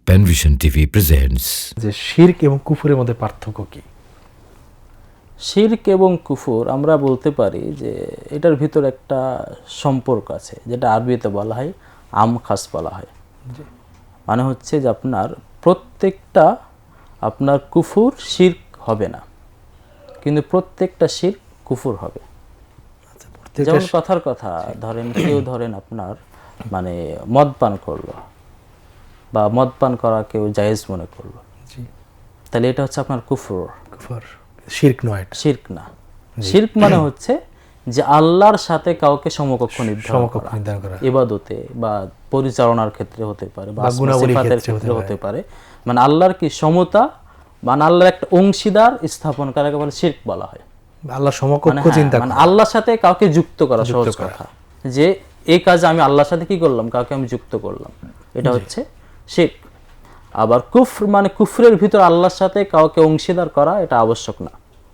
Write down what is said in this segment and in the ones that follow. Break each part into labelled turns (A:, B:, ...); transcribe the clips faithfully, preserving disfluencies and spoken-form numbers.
A: Panvision TV presents.
B: যে শিরক এবং কুফরের মধ্যে পার্থক্য কি?
C: শিরক এবং কুফর আমরা বলতে পারি যে এটার ভিতর একটা সম্পর্ক আছে, যেটা আরবিতে বলা হয় আম খাস বলা হয়। মানে হচ্ছে যে আপনার প্রত্যেকটা আপনার কুফর শিরক হবে না, কিন্তু প্রত্যেকটা শিরক কুফর হবে। যেমন কথার কথা ধরেন, কেউ ধরেন আপনার মানে মদ পান করলো বা মদ পান করা কেউ জায়েজ মনে করলো, তাহলে এটা হচ্ছে আপনার কুফর।
B: কুফর শিরক নয়,
C: শিরক না। শিরক মানে হচ্ছে যে আল্লাহর সাথে কাউকে সমকক্ষ নির্ধারণ করা, ইবাদতে বা পরিচালনার ক্ষেত্রে হতে পারে বা সিফাতের ক্ষেত্রে হতে পারে। মানে আল্লাহর কি সমতা, মানে আল্লাহর একটা অংশীদার স্থাপন করাকে বলে শিরক বলা হয়।
B: আল্লাহ সমকক্ষ চিন্তা করা,
C: মানে আল্লাহর সাথে কাউকে যুক্ত করা, সহজ কথা যে এই কাজে আমি আল্লাহর সাথে কি করলাম, কাউকে আমি যুক্ত করলাম, এটা হচ্ছে শিরক। আবার কুফর মানে কুফরের ভিতর আল্লাহর সাথে কাউকে অংশীদার করা, এটা আবশ্যক না।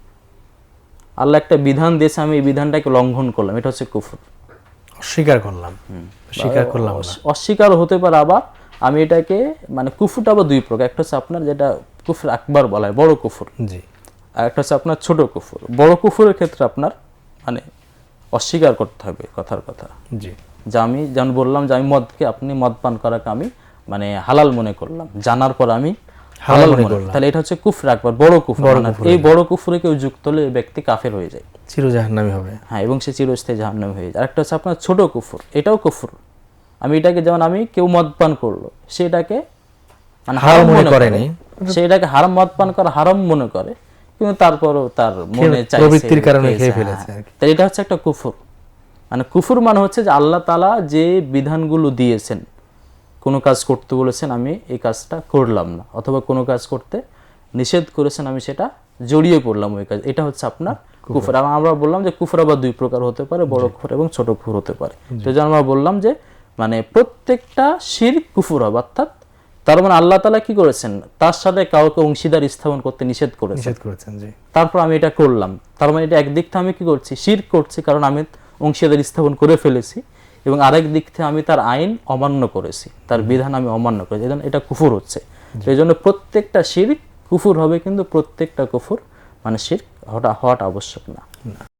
C: আল্লাহ একটা বিধান দিয়েছে, আমি এই বিধানটাকে লঙ্ঘন করলাম, এটা হচ্ছে কুফর।
B: অস্বীকার করলাম, স্বীকার করলাম না।
C: অস্বীকার হতে পারে। আবার আমি এটাকে মানে কুফরটা আবার দুই প্রকার, একটা হচ্ছে আপনার যেটা কুফর আকবার বলা হয়, বড় কুফর, জি, আর একটা হচ্ছে আপনার ছোট কুফর। বড় কুফরের ক্ষেত্রে আপনার মানে অস্বীকার করতে হবে, কথার কথা, জি। যে আমি যেমন বললাম যে আমি মদকে, আপনি মদ পান করাকে আমি মানে হালাল মনে করলাম, জানার পর আমি হালাল মনে করলাম, তাহলে এটা হচ্ছে কুফর আকবার, বড় কুফর। এই বড় কুফরে কেউ যুক্ত হলে এই ব্যক্তি কাফের হয়ে যায়,
B: চির জাহান্নামী হবে।
C: হ্যাঁ, এবং সে চিরস্থায়ী জাহান্নামী হয়ে যায়। আরেকটা হচ্ছে আপনার ছোট কুফর, এটাও কুফর। আমি এটাকে যেমন আমি কেউ মদ পান করলো, সেটাকে মানে হারাম মনে করে, সেটাকে হারাম, মদ পান করা হারাম মনে করে, কিন্তু তারপরও তার মনে চাইছে,
B: প্রবৃত্তির কারণে খেয়ে ফেলেছে।
C: তাই এটা হচ্ছে একটা কুফর। মানে কুফর মানে হচ্ছে যে আল্লাহ তাআলা যে বিধানগুলো দিয়েছেন, কোনো কাজ করতে বলেছেন আমি এই কাজটা করলাম না, অথবা কোনো কাজ করতে নিষেধ করেছেন আমি সেটা জড়িয়ে পড়লাম ওই কাজ, এটা হচ্ছে আপনার কুফর। আমরা বললাম যে কুফর আবার দুই প্রকার হতে পারে, বড় কুফর এবং ছোট কুফর হতে পারে। তো যেমন আমরা বললাম যে মানে প্রত্যেকটা শিরক কুফর হবে, অর্থাৎ তার মানে আল্লাহ তাআলা কি করেছেন, তার সাথে কাউকে অংশীদার স্থাপন করতে নিষেধ করেছেন, নিষেধ করেছেন, জি। তারপর আমি এটা করলাম, তার মানে এটা একদিক থেকে আমি কি করছি, শিরক করছি, কারণ আমি অংশীদার স্থাপন করে ফেলেছি, এবং আরেক দিক থেকে আমি তার আইন অমান্য করেছি, তার বিধান আমি অমান্য করেছি, এটা কুফর হচ্ছে। এই জন্য প্রত্যেকটা শিরক কুফর হবে, কিন্তু প্রত্যেকটা কুফর মানে শিরক হওয়াটা আবশ্যক না।